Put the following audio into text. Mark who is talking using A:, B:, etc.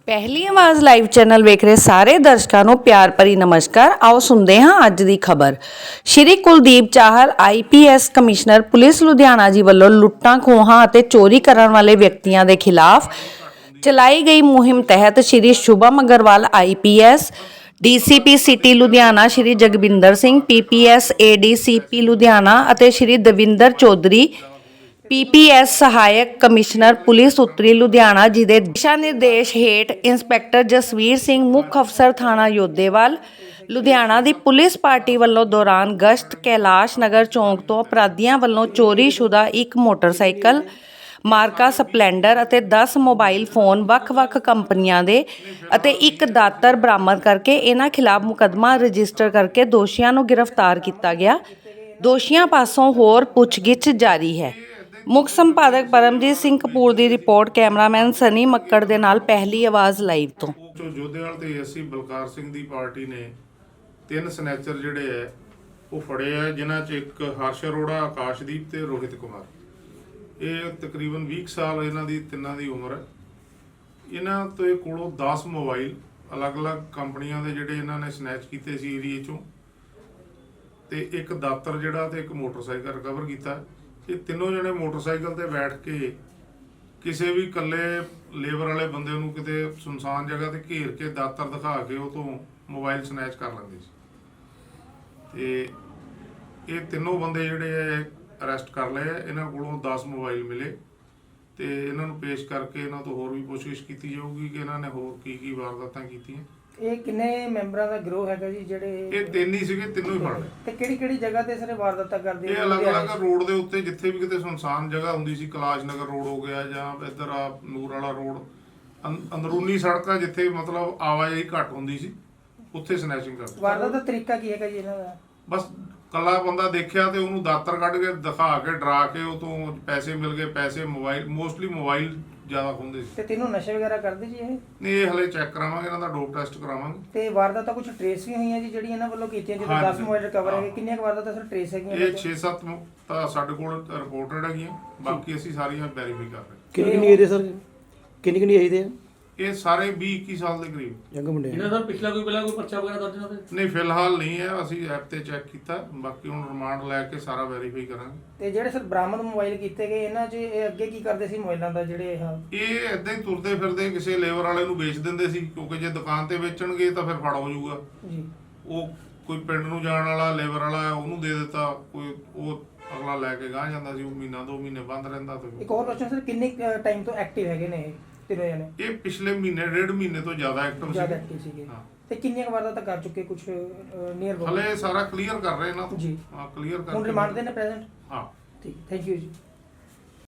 A: ਪਹਿਲੀ ਆਵਾਜ਼ live channel ਵੇਖ ਰਹੇ ਸਾਰੇ ਦਰਸ਼ਕਾਂ ਨੂੰ ਪਿਆਰ ਭਰੀ ਨਮਸਕਾਰ। ਆਓ ਸੁਣਦੇ ਹਾਂ ਅੱਜ ਦੀ ਖਬਰ। Shri Kuldeep Chahal IPS commissioner police Ludhiana ji ਵੱਲੋਂ ਲੁੱਟਾਂ ਖੋਹਾਂ ਅਤੇ ਚੋਰੀ ਕਰਨ ਵਾਲੇ ਵਿਅਕਤੀਆਂ ਦੇ ਖਿਲਾਫ ਚਲਾਈ ਗਈ ਮੁਹਿੰਮ ਤਹਿਤ Shri Shubham Agarwal IPS DCP city Ludhiana, Shri Jagwinder Singh PPS ADCP Ludhiana ਅਤੇ ਸ਼੍ਰੀ ਦਵਿੰਦਰ ਚੌਧਰੀ PPS ਸਹਾਇਕ ਕਮਿਸ਼ਨਰ ਪੁਲਿਸ ਉੱਤਰੀ ਲੁਧਿਆਣਾ ਜੀ ਦੇ ਦਿਸ਼ਾ ਨਿਰਦੇਸ਼ ਹੇਠ ਇੰਸਪੈਕਟਰ ਜਸਵੀਰ ਸਿੰਘ ਮੁੱਖ ਅਫਸਰ ਥਾਣਾ ਯੋਧੇਵਾਲ ਲੁਧਿਆਣਾ ਦੀ ਪੁਲਿਸ ਪਾਰਟੀ ਵੱਲੋਂ ਦੌਰਾਨ ਗਸ਼ਤ ਕੈਲਾਸ਼ ਨਗਰ ਚੌਂਕ ਤੋਂ ਅਪਰਾਧੀਆਂ ਵੱਲੋਂ ਚੋਰੀਸ਼ੁਦਾ ਇੱਕ ਮੋਟਰਸਾਈਕਲ ਮਾਰਕਾ ਸਪਲੈਂਡਰ ਅਤੇ 10 ਮੋਬਾਈਲ ਫੋਨ ਵੱਖ-ਵੱਖ ਕੰਪਨੀਆਂ ਦੇ ਅਤੇ ਇੱਕ ਦਾਤਰ ਬਰਾਮਦ ਕਰਕੇ ਇਹਨਾਂ ਖਿਲਾਫ ਮੁਕੱਦਮਾ ਰਜਿਸਟਰ ਕਰਕੇ ਦੋਸ਼ੀਆਂ ਨੂੰ ਗ੍ਰਿਫਤਾਰ ਕੀਤਾ ਗਿਆ। ਦੋਸ਼ੀਆਂ ਪਾਸੋਂ ਹੋਰ ਪੁੱਛਗਿੱਛ ਜਾਰੀ ਹੈ। ਮੁੱਖ ਸੰਪਾਦਕ ਪਰਮਜੀਤ ਸਿੰਘ ਕਪੂਰ ਦੀ ਰਿਪੋਰਟ, ਕੈਮਰਾਮੈਨ ਸਨੀ ਮੱਕੜ ਦੇ ਨਾਲ ਪਹਿਲੀ ਆਵਾਜ਼ ਲਾਈਵ ਤੋਂ।
B: ਜੋਧੇਵਾਲ ਤੇ ਅਸੀਂ ਬਲਕਾਰ ਸਿੰਘ ਦੀ ਪਾਰਟੀ ਨੇ 3 ਸਨੈਚਰ ਜਿਹੜੇ ਹੈ ਉਹ ਫੜੇ ਆ, ਜਿਨ੍ਹਾਂ 'ਚ ਇੱਕ ਹਰਸ਼ ਅਰੋੜਾ, ਆਕਾਸ਼ਦੀਪ ਤੇ ਰੋਹਿਤ ਕੁਮਾਰ। ਇਹ ਤਕਰੀਬਨ 20 ਸਾਲ ਇਹਨਾਂ ਦੀ ਤਿੰਨਾਂ ਦੀ ਉਮਰ ਹੈ। ਇਹਨਾਂ ਤੋਂ ਕੋਲੋਂ 10 ਮੋਬਾਈਲ ਅਲੱਗ-ਅਲੱਗ ਕੰਪਨੀਆਂ ਦੇ ਜਿਹੜੇ ਇਹਨਾਂ ਨੇ ਸਨੈਚ ਕੀਤੇ ਸੀ ਏਰੀਏ 'ਚੋਂ, ਤੇ ਇੱਕ ਦਾਤਰ ਜਿਹੜਾ ਤੇ ਇੱਕ ਮੋਟਰਸਾਈਕਲ ਰਿਕਵਰ ਕੀਤਾ। ਇਹ ਤਿੰਨੋਂ ਜਣੇ ਮੋਟਰਸਾਈਕਲ ਤੇ ਬੈਠ ਕੇ ਕਿਸੇ ਵੀ ਇਕੱਲੇ ਲੇਬਰ ਵਾਲੇ ਬੰਦੇ ਨੂੰ ਕਿਤੇ ਸੁਨਸਾਨ ਜਗ੍ਹਾ ਤੇ ਘੇਰ ਕੇ ਦਾਤਰ ਦਿਖਾ ਕੇ ਉਹ ਤੋਂ ਮੋਬਾਈਲ ਸਨੈਚ ਕਰ ਲੈਂਦੇ ਸੀ। ਤੇ ਇਹ ਤਿੰਨੋਂ ਬੰਦੇ ਜਿਹੜੇ ਆ ਅਰੈਸਟ ਕਰ ਲਏ ਆ। ਇਹਨਾਂ ਕੋਲੋਂ 10 ਮੋਬਾਈਲ ਮਿਲੇ ਤੇ ਇਹਨਾਂ ਨੂੰ ਪੇਸ਼ ਕਰਕੇ ਇਹਨਾਂ ਤੋਂ ਹੋਰ ਵੀ ਪੁੱਛਗਿੱਛ ਕੀਤੀ ਜਾਊਗੀ ਕਿ ਇਹਨਾਂ ਨੇ ਹੋਰ ਕੀ ਵਾਰਦਾਤਾਂ ਕੀਤੀਆਂ।
C: ਇਹ ਕਿੰਨੇ ਮੈਂਬਰਾਂ ਦਾ ਗਰੋਹ ਹੈਗਾ ਜੀ ਜਿਹੜੇ? ਇਹ
B: 3 ਹੀ ਸੀਗੇ, ਤਿੰਨੋਂ ਹੀ ਫੜ ਲਏ।
C: ਤੇ ਕਿਹੜੀ ਜਗ੍ਹਾ ਤੇ ਸਾਰੇ ਵਾਰਦਾਤਾਂ ਕਰਦੇ?
B: ਇਹ ਅਲੱਗ-ਅਲੱਗ ਰੋਡ ਦੇ ਉੱਤੇ, ਜਿੱਥੇ ਵੀ ਕਿਤੇ ਸੁਨਸਾਨ ਜਗ੍ਹਾ ਹੁੰਦੀ ਸੀ, ਕੈਲਾਸ਼ ਨਗਰ ਰੋਡ ਹੋ ਗਿਆ ਜਾਂ ਇੱਧਰ ਆ ਨੂਰ ਵਾਲਾ ਰੋਡ, ਅੰਦਰੂਨੀ ਸੜਕਾਂ ਜਿੱਥੇ ਮਤਲਬ ਆਵਾਜਾਈ ਘੱਟ ਹੁੰਦੀ ਸੀ, ਉੱਥੇ ਸਨੈਚਿੰਗ ਕਰਦੇ।
C: ਵਾਰਦਾਤ ਦਾ ਤਰੀਕਾ ਕੀ ਹੈਗਾ ਜੀ ਇਹਨਾਂ ਦਾ?
B: ਬਸ ਕੱਲਾ ਬੰਦਾ ਦੇਖਿਆ ਤੇ ਉਹਨੂੰ ਦਾਤਰ ਕੱਢ ਕੇ ਦਿਖਾ ਕੇ ਡਰਾ ਕੇ ਉਹ ਤੋਂ ਪੈਸੇ ਮਿਲ ਗਏ। ਪੈਸੇ ਮੋਬਾਈਲ, ਮੋਸਟਲੀ ਮੋਬਾਈਲ ਜ਼ਿਆਦਾ ਖੁੰਦੇ ਸੀ।
C: ਤੇ ਤਿੰਨੋਂ ਨਸ਼ੇ ਵਗੈਰਾ ਕਰਦੇ ਜੀ ਇਹ?
B: ਨਹੀਂ, ਇਹ ਹਲੇ ਚੈੱਕ ਕਰਾਵਾਂਗੇ, ਇਹਨਾਂ ਦਾ ਡੋਪ ਟੈਸਟ ਕਰਾਵਾਂਗੇ। ਤੇ
C: ਵਾਰਦਾਤਾਂ ਕੁਝ ਟ੍ਰੇਸ ਵੀ ਹੋਈਆਂ ਜੀ ਜਿਹੜੀਆਂ ਇਹਨਾਂ ਵੱਲੋਂ ਕੀਤੀਆਂ? ਜਿੱਦਾਂ 10 ਮੋਬਾਈਲ ਰਿਕਵਰ ਹੈਗੇ, ਕਿੰਨੀਆਂ ਵਾਰਦਾਤਾਂ ਸਰ ਟ੍ਰੇਸ ਹੈਗੀਆਂ?
B: ਇਹ 6-7 ਤਾਂ ਸਾਡੇ ਕੋਲ ਰਿਪੋਰਟਡ ਹੈਗੀਆਂ, ਬਾਕੀ ਅਸੀਂ ਸਾਰੀਆਂ ਵੈਰੀਫਾਈ ਕਰ ਰਹੇ।
D: ਕਿੰਨੀ ਏਜ ਦੇ ਸਰ? ਕਿੰਨੀ ਏਜ ਦੇ ਆ
B: ਇਹ? ਸਾਰੇ 20-21 ਸਾਲ ਦੇ ਕਰੀਬ
D: ਯੰਗ ਮੁੰਡੇ।
E: ਇਹਨਾਂ ਦਾ ਪਿਛਲਾ ਕੋਈ ਪਰਚਾ ਵਗੈਰਾ ਦਰਜ ਨਾ?
B: ਨਹੀਂ, ਫਿਲਹਾਲ ਨਹੀਂ ਹੈ। ਅਸੀਂ ਐਪ ਤੇ ਚੈੱਕ ਕੀਤਾ, ਬਾਕੀ ਹੁਣ ਰਿਮਾਂਡ ਲੈ ਕੇ ਸਾਰਾ ਵੈਰੀਫਾਈ ਕਰਾਂਗੇ।
C: ਤੇ ਜਿਹੜੇ ਸਰ ਬਰਾਮਦ ਮੋਬਾਈਲ ਕੀਤੇ ਗਏ ਇਹਨਾਂ 'ਚ ਇਹ ਅੱਗੇ ਕੀ ਕਰਦੇ ਸੀ ਮੋਬਾਈਲਾਂ ਦਾ? ਜਿਹੜੇ
B: ਇਹ ਏਦਾਂ ਹੀ ਤੁਰਦੇ ਫਿਰਦੇ ਕਿਸੇ ਲੇਬਰ ਵਾਲੇ ਨੂੰ ਵੇਚ ਦਿੰਦੇ ਸੀ, ਕਿਉਂਕਿ ਜੇ ਦੁਕਾਨ ਤੇ ਵੇਚਣਗੇ ਤਾਂ ਫਿਰ ਫੜ ਹੋ ਜਾਊਗਾ
C: ਜੀ।
B: ਉਹ ਕੋਈ ਪਿੰਡ ਨੂੰ ਜਾਣ ਵਾਲਾ ਲੇਬਰ ਵਾਲਾ ਉਹਨੂੰ ਦੇ ਦਿੱਤਾ, ਕੋਈ ਉਹ ਅਗਲਾ ਲੈ ਕੇ ਗਾਹ ਜਾਂਦਾ ਸੀ। ਉਹ ਮਹੀਨਾ 2 ਮਹੀਨੇ ਬੰਦ ਰਹਿੰਦਾ। ਤੇ
C: ਇੱਕ ਹੋਰ ਕੁਐਸਚਨ ਸਰ, ਕਿੰਨੇ ਟਾਈਮ ਤੋਂ ਐਕਟਿਵ ਹੈਗੇ ਨੇ ਇਹ ਤਿੰਨੋਂ ਜਣੇ?
B: ਇਹ ਪਿਛਲੇ ਮਹੀਨੇ 1.5 ਮਹੀਨੇ ਤੋਂ ਜ਼ਿਆਦਾ ਐਕਟਿਵ
C: ਸੀਗੇ। ਤੇ ਕਿੰਨੀਆਂ ਵਾਰਦਾਤਾਂ ਕਰ ਚੁੱਕੇ? ਕੁਝ ਨੀਅਰ
B: ਹਲੇ ਸਾਰਾ ਕਲੀਅਰ ਕਰ ਰਹੇ ਇਹਨਾਂ ਤੋਂ
C: ਜੀ।
B: ਹਾਂ, ਕਲੀਅਰ ਕਰ।
C: ਹੁਣ ਰਿਮਾਂਡ ਦੇ ਨੇ ਪ੍ਰੈਜ਼ੈਂਟ?
B: ਹਾਂ,
C: ਠੀਕ, ਥੈਂਕ ਯੂ ਜੀ।